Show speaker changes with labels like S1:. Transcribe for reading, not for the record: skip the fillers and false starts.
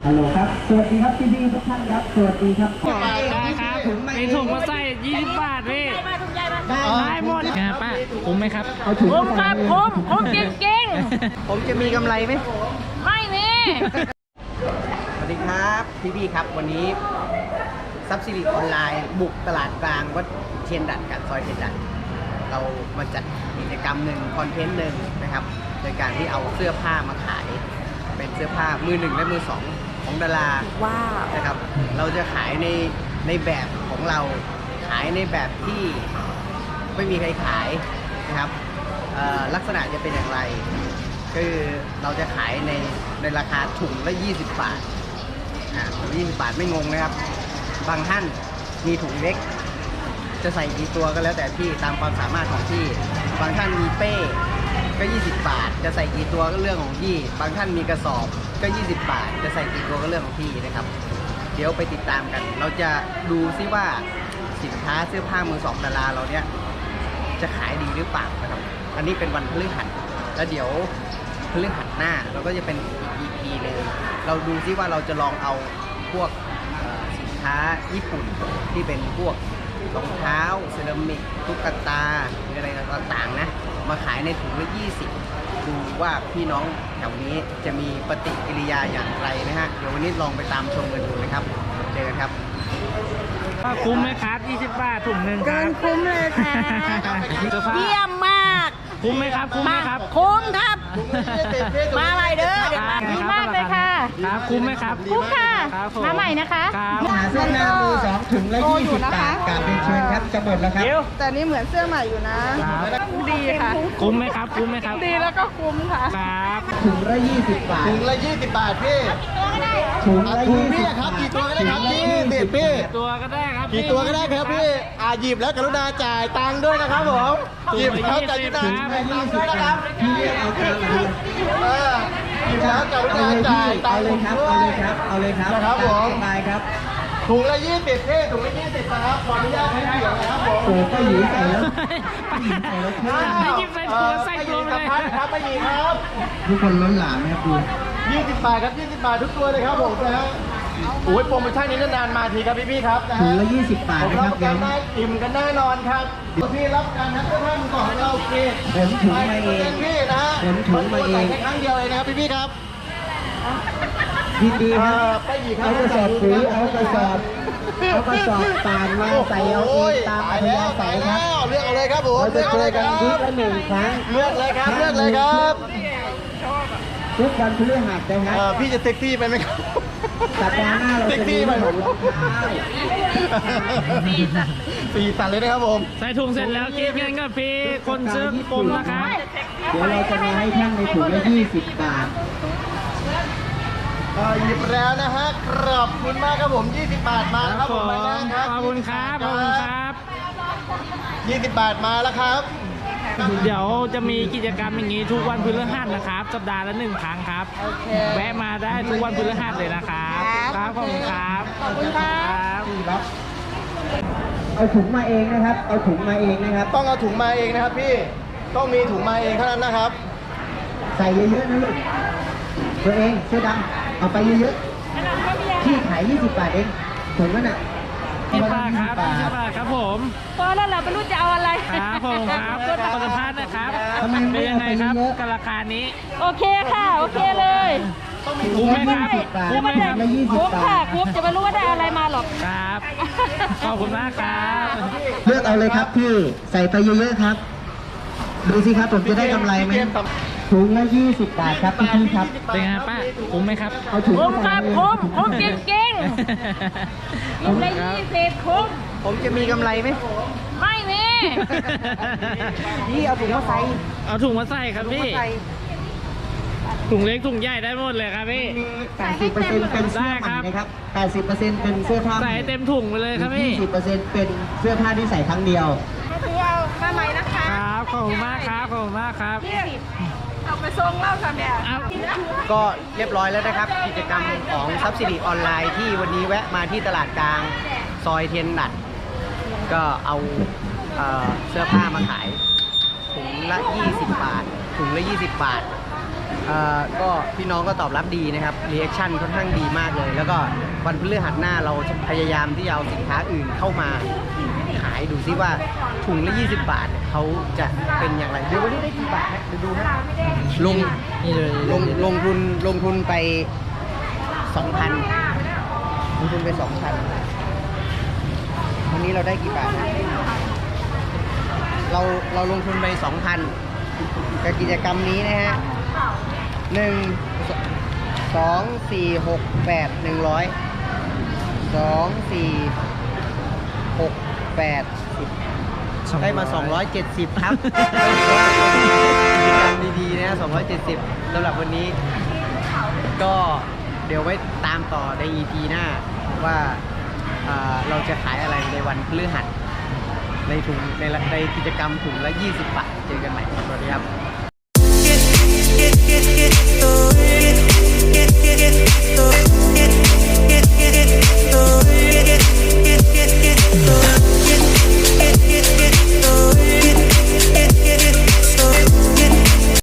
S1: ฮัลโหลครับสวัสดีครับพี่ๆทุกท่านครับสวัสดีครับ
S2: ได้ครับมีถุงมาใส่20 บาทพี่ได้หมดครับป้าคุ้มไหมครับ
S1: เอาถุง
S3: คุ้มครับคุ้มจริง
S4: ผมจะมีกำไรไหม
S3: ๆไม่มี
S4: สวัสดีครับพี่ๆครับวันนี้ซับซิลิออนไลน์บุกตลาดกลางวัดเทียนดัดกับซอยเทียนดัดเรามาจัดกิจกรรมหนึ่งคอนเทนต์หนึ่งนะครับโดยการที่เอาเสื้อผ้ามาขายเป็นเสื้อผ้ามือหนึ่งและมือสองของดารา
S3: ว้าว
S4: นะครับเราจะขายในแบบของเราขายในแบบที่ไม่มีใครขายนะครับลักษณะจะเป็นอย่างไรคือเราจะขายในราคาถุงละ20 บาท20 บาทไม่งงนะครับบางท่านมีถุงเล็กจะใส่กี่ตัวก็แล้วแต่ที่ตามความสามารถของที่บางท่านมีเป้ก็20 บาทจะใส่กี่ตัวก็เรื่องของที่บางท่านมีกระสอบก็20 บาทจะใส่กี่ตัวก็เรื่องของที่นะครับเดี๋ยวไปติดตามกันเราจะดูซิว่าสินค้าเสื้อผ้ามือสองดาราเราเนี้ยจะขายดีหรือเปล่านะครับอันนี้เป็นวันพฤหัสแล้วเดี๋ยวพฤหัสหน้าเราก็จะเป็นอีก EP เลยเราดูซิว่าเราจะลองเอาพวกสินค้าญี่ปุ่นที่เป็นพวกรองเท้าเซรามิกตุ๊กตาอะไรต่างๆนะมาขายในถุงละ20ดูว่าพี่น้องแถวนี้จะมีปฏิกิริยาอย่างไรนะฮะเดี๋ยววันนี้ลองไปตามชมกันดูนะครับเจอกันครับ
S2: คุ้มไหมครับ20 บาทถุงหนึ่งครับ
S3: คุ้มเลยค่ะเยี่ยมมาก
S2: คุ้มไหมครับคุ้มไหมครับ
S3: คุ้มครับ มาใหม่เด้อเดี๋ยวมาดีมากเลยค่ะ
S2: ครับคุ้มไหมครับ
S3: คุ้มค่ะ
S2: ครับผ
S3: มาใหม่นะคะ
S2: ครับ
S1: หาเสื้อผ้ามือสองถุงละ20 บาทกราบเรียนเชิญครับจะหมดแล้วครับ
S5: แต่นี่เหมือนเสื้อใหม่อยู่นะครับ ดีค่ะ
S2: คุ้มไหมครับคุ้มไหมครับ
S5: ดีแล้วก็คุ้มค่ะ
S2: ครับ
S1: ถุงละ20 บาท
S4: ถุงละ20 บาทพี่
S1: ถุงละ
S4: ถุง
S1: 20
S4: พี่ครับกี่ตัวก็ได้ครับพี่ติดพี่
S2: ตัวก็ได้ครับ
S4: กี่ตัวก็ได้ครับพี่หยิบแล้วกรุณาจ่ายตังค์ด้วยนะครับผมหยิบแล้วกรุณาจ่ายตังค์ด้วยนะครับ
S1: พี่เอาตามเลย
S4: หยิบแล้วกรุ
S1: เอา
S4: ณา
S1: เลย
S4: จ่า
S1: พี่
S4: ยตั
S1: เอา
S4: งค์
S1: เลยครับ
S4: ด้ว
S1: เอาเลย ยครับเอาเลยครับ
S4: นะครับผม
S1: ตายครับ
S4: ถุงละ20พี่ถุงละ20นะครับขออนุญาตให้เสียงนะครับผม
S1: โอ้ก็หยีใส่แล้วใส่แล้วเท่
S2: ไม่หยิบใส่ตัวใส่ตัวไปเลย
S4: ครับไม่มีครับ
S1: ทุกคนล้นหลามนะครับดู
S4: 20 บาทครับ20 บาททุกตัวเลยครับผมนะฮะโอ้ยโปรโมชั่นนี้นานๆมาทีครับพี่ๆครับนะ
S1: ถุง
S4: ฮะ
S1: ละ20 บาท
S4: ผม
S1: นะค
S4: รั
S1: รั
S4: บบ ประกันได้อิ่มกันแน่นอนครับพี่รับการนัดเสื้อผ้ามือสองของเราฟรี
S1: ผมถุงมาเอง
S4: พี่นะฮะ
S1: ผมถุงมาเอง
S4: แค่ครั้งเดียวเลยนะครับพี่ๆครับ
S1: ยินดีครับ
S4: ไปอีกครั
S1: เอากระสอบปุ๋ยเอากระสอบป่านมาใส่เอาเองตามอัธยาศัยครับ
S4: เลือกเอาเลยครับผม
S1: เราจะเจอกัน
S4: เลื
S1: ทุ
S4: อก
S1: ละ1 ครั้ง
S4: เลยครับเลือกเลยครับ
S1: ทุกวันพฤหัสนะครับ
S4: พี่จะเซ็กซี่ไปไหมครับ
S1: สัปดาห์หน้าเราจะมีขนมรองเท้า
S4: สีสันเลยนะครับผม
S2: ใส่ถุงเสร็จแล้วคิดเงินกับพี่คนซื้อกลมนะครับ
S1: เดี๋ยวเราจะมาให้ท่านในถุงละ20 บาท
S4: หยิบแล้วนะฮะขอบคุณมากครับผม20 บาทมาแล้วครับผมไปแล้วครับ
S2: ขอบคุณครับขอบคุณครับ
S4: 20 บาทมาแล้วครับ
S2: เดี๋ยวจะมีกิจกรรมอย่างนี้ทุกวันพฤหัสนะครับสัปดาห์ละ1 ครั้งครับแวะมาได้ทุกวันพฤหัสเลยนะครับครับขอบคุณครับ
S3: ขอบคุณค่ะ
S2: ครับ
S1: เอาถุงมาเองนะครับ เอาถุงมาเองนะครับ
S4: ต้องเอาถุงมาเองนะครับพี่ต้องมีถุงมาเองเท่านั้นนะครับ
S1: ใส่เยอะๆนะลูกตัวเองเสื้อดำเอาไปเยอะๆที่ขาย20 บาทเองถุงนั้นน่ะ
S2: 20 บาทครับ20 บาทครับผม
S3: พอแล้วเราไม่รู้จะเอาอะไร
S2: ครับผมครับขอสัมภาษณ์นะครับ
S1: ทำไม
S2: เป็
S1: ไม่
S2: นยั
S1: เอา
S2: งไง
S1: ไป
S2: ครับ
S1: เยอะ
S2: กับราคานี้
S3: โอเคค่ะ โอเคเลย
S2: คุ้มไหมครับ
S1: 20 บาท
S2: คุ้มไหมครับ
S1: ละ20
S3: คุ้ม
S1: บา
S3: ค่ะ
S1: ท
S3: คุ้มจะไม่รู้ว่าได้อะไรมาหรอก
S2: ครับ ขอบคุณมากครับ
S1: เลือกเอาเลยครับพี่ใส่ไปเยอะๆครับ ดูสิครับผมจะได้กำไรไหมถุงละ20 บาทครับพี่ๆครับ
S2: เป็นไงป้าคุ้มไหมครับ
S1: เอาถุง
S3: คุ้มครับ คุ้มจริง
S2: ข
S3: ๆ
S2: อบ
S3: คุ้ม
S2: คุณ
S3: ได้
S2: ครับ
S3: 20คุ้ม
S4: ผมจะมีกำไรไหม
S3: ไม่มี
S4: พี่เอาถุงมาใส่
S2: เอาถุงมาใส่ครับพี่ ถุงเล็กถุงใหญ่ได้หมดเลยครับพี่
S1: 80%เป็นเสื้อใหม่นะครับ 80%เป็นเสื้อผ้า
S2: ใส่ให้เต็มถุงไปเลยครับพี่
S1: 20%เป็นเสื้อผ้าที่ใส่ครั้งเดียว
S5: ถือเอามาใหม่นะคะ
S2: ครับ ขอบคุณมากครับ ขอบคุณมากครับ
S5: เอาไปส่งเล่าค่ะแม่
S2: เอา
S4: ก็เรียบร้อยแล้วนะครับ กิจกรรมของซับซิดีออนไลน์ที่วันนี้แวะมาที่ตลาดกลางซอยเทียนดัดก็เอาเสื้อผ้ามาขายถุงละ20 บาทถุงละ20 บาทก็พี่น้องก็ตอบรับดีนะครับรีแอคชั่นค่อนข้างดีมากเลย แล้วก็วันพฤหัสหน้าเราจะพยายามที่จะเอาสินค้าอื่นเข้ามาขายดูซิว่าถุงละ20 บาทเนี่ยเขาจะเป็นอย่างไรเดี๋ยววันนี้ได้กี่บาทนะเดี๋ยวดูนะลงทุนไป 2,000 ลงทุนไป 2,000 วันนี้เราได้กี่บาทนะเราลงทุนไป 2,000 กับกิจกรรมนี้นะฮะ1 2 4 6 8 100 2 4 6 8 10ได้มา 270 ครับกิจกรรมดีๆนะ270สำหรับวันนี้ ก็เดี๋ยวไว้ตามต่อใน EP หน้าว่าเราจะขายอะไรในวันพฤหัสในกิจกรรมถุงละ 20 บาท เจอกันใหม่สวัสดีครับ